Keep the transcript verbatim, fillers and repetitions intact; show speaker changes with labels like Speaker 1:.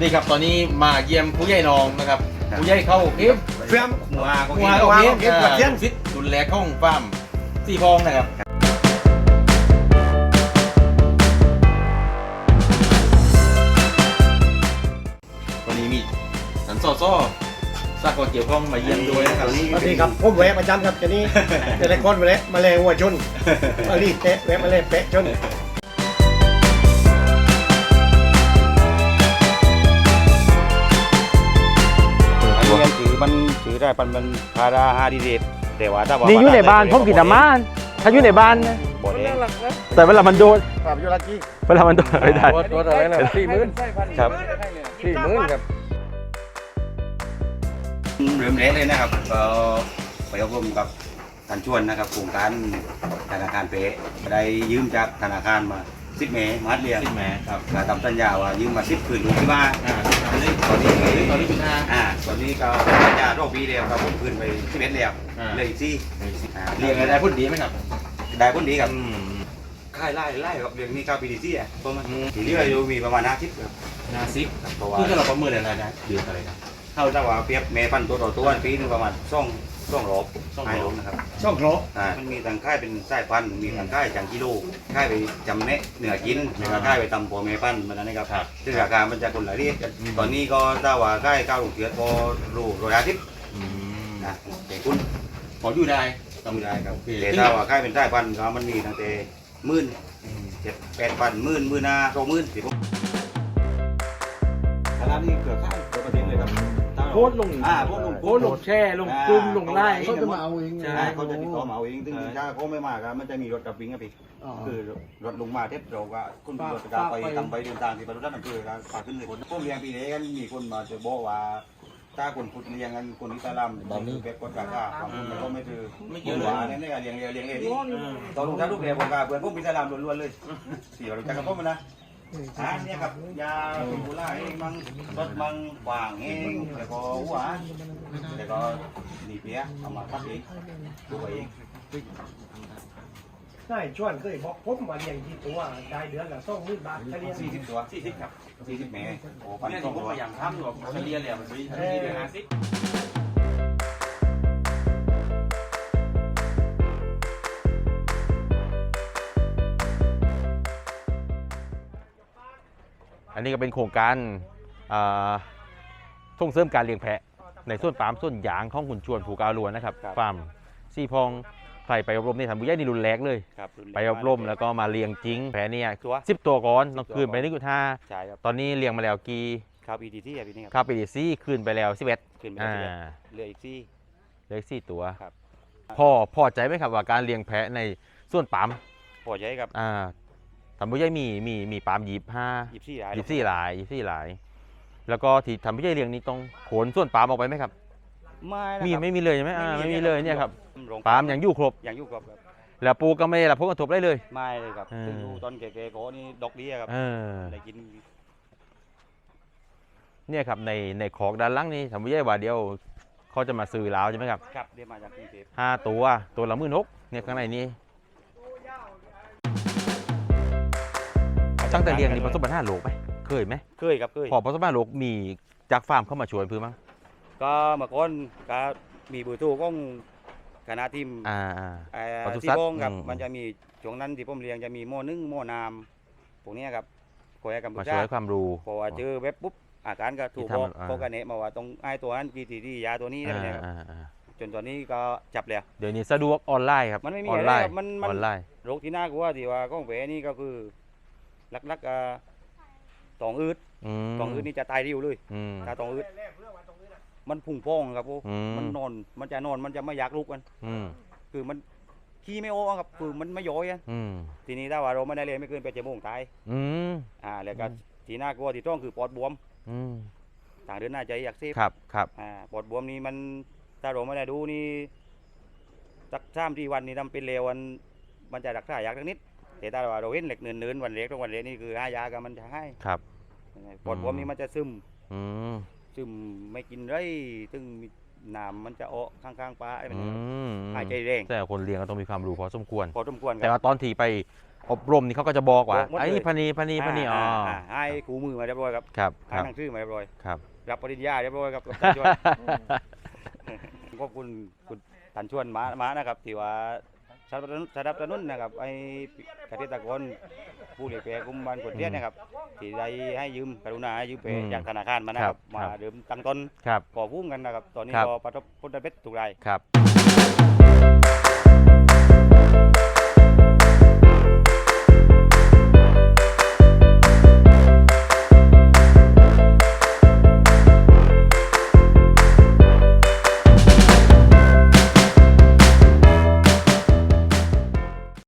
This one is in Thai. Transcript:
Speaker 1: นี่ครับตอนนี้มาเยี่ยมผู้ใหญ่นองนะครับผู้ใหญ่เข้าเอฟ
Speaker 2: เฟียม
Speaker 1: หัว
Speaker 2: หั
Speaker 1: หั
Speaker 2: ว
Speaker 1: ว
Speaker 2: หัว
Speaker 1: เอฟ
Speaker 2: เอฟกับเทียน
Speaker 1: ฟิตดุแลข้องฟาร์มสี่พองนะครับวันนี้มีสันซอซ้อสากลเกี่ยวข้องมาเยี่ยมด้วยนะครับ
Speaker 2: สวัสดีครับผมแวะประจำครับจะนี่จะได้คนมาแล้วมาเลยหัวชนมาลีเตะแวะมาเลยเปะชน
Speaker 3: อันนี้มันถือมันถือได้ปันมันพาราฮาดีเดตแต่ว่าถ้าว่า
Speaker 4: นี่อยู่ในบ้านผมกินน้ำมันถ้าอยู่ในบ้านนะ
Speaker 3: บ่ได้
Speaker 4: แต่เวลามันโดน
Speaker 2: ปราบยุรากี้
Speaker 4: เวลามันโดนไม่ได้
Speaker 5: รถรถอะไรนะสี่หมื่น
Speaker 4: ครับ
Speaker 5: สี่หมื่นครับ
Speaker 3: เริ่มแรกเลยนะครับก็ไปอบรมกับท่านชวนนะครับโครงการธนาคารเป๊ะได้ยืมจากธนาคารมาสิบเมตรมาเรียน
Speaker 1: สิบแหมครับ
Speaker 3: ก็ทำสัญญาว่ายืมมาสิบคืนลูกที่บ้าน
Speaker 1: อ่า
Speaker 3: ตอนนี้ตอนนี้
Speaker 1: ตอนนี้เป็นห้า
Speaker 3: อ่าตอนนี้ก็สัญญาโรคปีเดียวครับผมคืนไปสิบเอ็ดแล้ว
Speaker 1: อ่า
Speaker 3: เลยอีกสี่อ่า
Speaker 1: เรียงอะไรพูดดีไหมครับ
Speaker 3: ได้ผลดีครับ
Speaker 1: อืม
Speaker 3: ค่ายไล่ไล่ครับเรื่องนี้ข้าวปีดีซี่อ่ะประมาณ
Speaker 1: อืม
Speaker 3: ทีนี้เรามีประมาณห้าสิบครับ
Speaker 1: นาซิก
Speaker 3: เพราะว่า
Speaker 1: คือถ้าเราประเมินอะไรนะเดือนอะไรนะ
Speaker 3: เท่าถ้าว่าเปรียบแม่พันธุ์ตัวต่อตัวปีหนึงประมาณช่องช่องรอบ
Speaker 1: ช่องรอบ
Speaker 3: ให้ลงนะครับ
Speaker 2: ช่องโคร
Speaker 3: อ่ามันมีทางค่ายเป็นสายพันธุ์มีทางค่ายจังกิโลค่ายไปจำเนะเหนือกินแล้วก็ค่ายไปตำปัวแม่พันธุ์มันนะครับ
Speaker 1: ครับ
Speaker 3: ซึ่งราคามันจะคนละเรียกกัน
Speaker 1: อืม
Speaker 3: ตอนนี้ก็ถ้าว่าค่ายเก้าลูกเสือพอรูร้อยห้าสิบ
Speaker 1: อืม
Speaker 3: นะแต่คุณ
Speaker 1: พออยู่ได้
Speaker 3: ต้องได้ครับ
Speaker 1: โอเค
Speaker 3: แต่ถ้าว่าค่ายเป็นสายพันธุ์ก็มันมีตั้งแต่หมื่นเจ็ดแปดพันหมื่นหมื่นห้าสองหมื่นสิบขนาดนี้เกือบค่ายเกือบประเด็นเลยครับ
Speaker 5: โพสต์ลง
Speaker 3: อ่าโพสต์ลง
Speaker 5: โพสต์ลงแช่ลงกลุ่มลงไล่
Speaker 3: เขาจะมาเอา
Speaker 2: เอง
Speaker 3: ใช่เขาจะติดต่อมาเอาเองซึ่งถ้าเขาไม่มาครับมันจะมีรถกับวิ่งครับพี่คือรถลงมาเทปเราก็คุณรถก็ไปทำไปเดินทางที่บรรลุด้านอำเภอก็ฝากขึ้นเลยคนพวกเลี้ยงปีนี้กันมีคนมาจะบอกว่าถ้าคนพุทธเลี้ยงกันคนอิสลามแบบนี้แบบกดราคาบางคนก็ไม่ถือไม่เกี่ยวว่าเนี่ยเนี่ยเลี้ยงเลี้ยงเลี้ยงเองตอนลงท้ายลูกเรียนผมก็เพื่อนพวกอิสลามล้วนๆเลยสี่เราจะกับพวกมันนะอ่าเนี่ยครับยาเป็นกุหลาบเองมังรถมังวางเองแล้วก็หัวแล้วก็หนีเปียเอามาทับเองดูเอง
Speaker 2: ใช่ชวนเคยบอกผมมาเลี้ยงที่ตัวได้เดือนละสองหมื่นบาทแค่เลี้ยง
Speaker 3: สี่สิบตัวสี่สิบครับสี่สิบเมตรโอ้ปัน
Speaker 1: เนี่ย
Speaker 3: สอ
Speaker 1: ที่
Speaker 3: ง
Speaker 1: ผม
Speaker 3: ร้อ
Speaker 1: พ
Speaker 3: ย
Speaker 1: ยายามทำอยู่แบบเฉลี่ยเลยมันมีทันทีเดือนห้าสิบ
Speaker 4: อันนี้ก็เป็นโครงการอ่าส่งเสริมการเลี้ยงแพะในส่วนฟาร์มส่วนยางของคุณชวนผูกอาลวนนะครับฟาร์มซี่พองไปไปอบรมในทำบุญใหญ่นี่รุนแรงเลย
Speaker 3: ครับ
Speaker 4: ไปอบรมแล้วก็มาเลี้ยงจริงแพะเนี่ย
Speaker 3: ตัว
Speaker 4: สิบตัวก่อนต้องคืนไปนี่กุท่า
Speaker 3: ใช่ครับ
Speaker 4: ตอนนี้เลี้ยงมาแล้วกี่
Speaker 3: ข้าวปีดีที่อ่ะพี่นี่ครับ
Speaker 4: ข้าวปีดีซี่คืนไปแล้วสิบเอ็ด
Speaker 3: ขึ้นไป
Speaker 4: อ่า
Speaker 3: เหลืออีกสี่
Speaker 4: เหลืออกสี่ตัว
Speaker 3: ครับ
Speaker 4: พ่อพอใจไหมครับว่าการเลี้ยงแพะในส่วนปั๊ม
Speaker 3: พอใช้ครับ
Speaker 4: อ่าทำบุญใหญ่มีมีมีปั๊มยีบห้า
Speaker 3: ยี่สิบสี่หลาย
Speaker 4: ยี่สี่หลายยี่สี่หลาย แล้วก็ที่ทำพิจัยเลี้ยงนี้ต้องขนส่วนปาล์มออกไปไหมครับ
Speaker 3: ไม่นะ
Speaker 4: มี
Speaker 3: ครับ
Speaker 4: ไม่มีเลยใช่ไหมอ่าไม่มีเลยเนี่ยครับ
Speaker 3: โรง
Speaker 4: ปาล์มยังอยู่ครบ
Speaker 3: ยังอยู่ครบครับ
Speaker 4: แล้วปลูกก็ไม่ได้รับผลกระทบได้เลย
Speaker 3: ไม่เลยครับ
Speaker 4: เออ
Speaker 3: ซึ่งดูตอนแก่ๆก็นี่ดอกเบี้ยครับ
Speaker 4: เออ
Speaker 3: ได้กิน
Speaker 4: เนี่ยครับในในขอกด้านหล่างนี่ทำพิจัยว่าเดียวเขาจะมาซื้อแล้วใช่ไหมครับ
Speaker 3: ครับเรียกมาจากกรุงเทพ
Speaker 4: ห้าตัวตัวละหมื่นหกเนี่ยข้างในนี้ตั้งแต่เลี้ยงนี่ประสบปัญหาโรคไหมเคยไหม
Speaker 3: เคยครับเคย
Speaker 4: พอประสบปัญหาโรคมีจากฟาร์มเข้ามาช่วยเพื่อมั้ง
Speaker 3: ก็เมื่อก่อนก็มีเบอร์โทรของคณะทีม
Speaker 4: อ่าอ่า
Speaker 3: เอ่อ
Speaker 4: ปศุสั
Speaker 3: ที่
Speaker 4: ตว์
Speaker 3: บ้องครับ
Speaker 4: อืม
Speaker 3: มันจะมีช่วงนั้นที่ผมเรียนจะมีหม้อนึ่งหม้อนามพวกเนี้ยครับคอยให้กัมพู
Speaker 4: มา
Speaker 3: ชา
Speaker 4: ช่วยความรู้
Speaker 3: พอว่าเจอเว็บปุ๊บอาการก็ถูก
Speaker 4: ที่
Speaker 3: บอก
Speaker 4: ทำอ่า
Speaker 3: เขาก็แนะมาว่าตรงไอ้ตัวนั้นกี่ทีที่ยาตัวนี้อะไร
Speaker 4: อ่า
Speaker 3: เนี่ยครับ
Speaker 4: อ่าอ่า
Speaker 3: จนตอนนี้ก็จับแล้ว
Speaker 4: เดี๋ยวนี้สะดวกออนไลน์ครับ
Speaker 3: มันไม่มี
Speaker 4: ออน
Speaker 3: อะไร
Speaker 4: ไลน์
Speaker 3: ครับมันมัน
Speaker 4: ออนไลน์
Speaker 3: โรคที่น่ากลัวที่ว่าของแผลนี่ก็คือลักๆอ่าตองอืด
Speaker 4: อืม
Speaker 3: ตองอืดนี่จะตายเร็วเลย
Speaker 4: อืม
Speaker 3: ถ้าตองอืดมันพุ่งพองครับโอ้
Speaker 4: อืม
Speaker 3: มันนอนมันจะนอนมันจะไม่อยากลุกกัน
Speaker 4: อืม
Speaker 3: คือมันขี้ไม่โอ้ครับคือมันไม่ย้อยอะ
Speaker 4: อืม
Speaker 3: ทีนี้ถ้าว่าเราไม่ได้เลยไม่เกินแปดชั่วโมงตาย
Speaker 4: อืม
Speaker 3: อ่าแล้วก็ที่น่ากลัวที่ต้องคือปอดบวม
Speaker 4: อืม
Speaker 3: ทางเดินหน้าใจอักเสบ
Speaker 4: ครับครับ
Speaker 3: อ่าปอดบวมนี่มันถ้าเราไม่ได้ดูนี่สักสามที่วันนี่ทำเป็นเลววันมันจะรักษายากสักนิดแต่ถ้าว่าเราเห็นเหล็กเนินๆวันเล็กต้องวันเล็กนี่คือห้ายากันมันจะให้
Speaker 4: ครับ
Speaker 3: ปอดบวมนี่มันจะซึม
Speaker 4: อืม
Speaker 3: ซึมไม่กินไรซึ่งมีน้ำมันจะออกข้างๆปลาไอ้มัน
Speaker 4: อืม
Speaker 3: หายใจแรง
Speaker 4: แต่คนเลี้ยงก็ต้องมีความรู้พอสมควร
Speaker 3: พอสมควรค
Speaker 4: แต่
Speaker 3: รับ
Speaker 4: ว่าตอนที่ไปอบรมนี่เขาก็จะบอกว่า
Speaker 3: บอกหมดเลย
Speaker 4: ไอ้พันนีพันนีพันนีอ๋อ
Speaker 3: อ่าให้ครูมือมาเรียบร้อยครับ
Speaker 4: ครับค
Speaker 3: ให้
Speaker 4: รับ
Speaker 3: หนังสือมาเรียบร้อย
Speaker 4: ครับ
Speaker 3: รับปริญญาเรียบร้อยครับกับชวนขอบคุณคุณตันชวนมามานะครับที่ว่าสนับสนุนสนับสนุนนะครับไอ้เกษตรกรผู้เลี้ยงแพะกลุ่มบ้านกดเทียนนะครับที่ได้ให้ยืมกรุณาให้ยืมแพะจากธนาคารมานะครับมาเดิมตั้งต้น
Speaker 4: ครับ
Speaker 3: ก่อพุ่งกันนะครับตอนนี้
Speaker 4: ครับ
Speaker 3: ก็ประสบผลสำเร็จทุกราย
Speaker 4: ครับ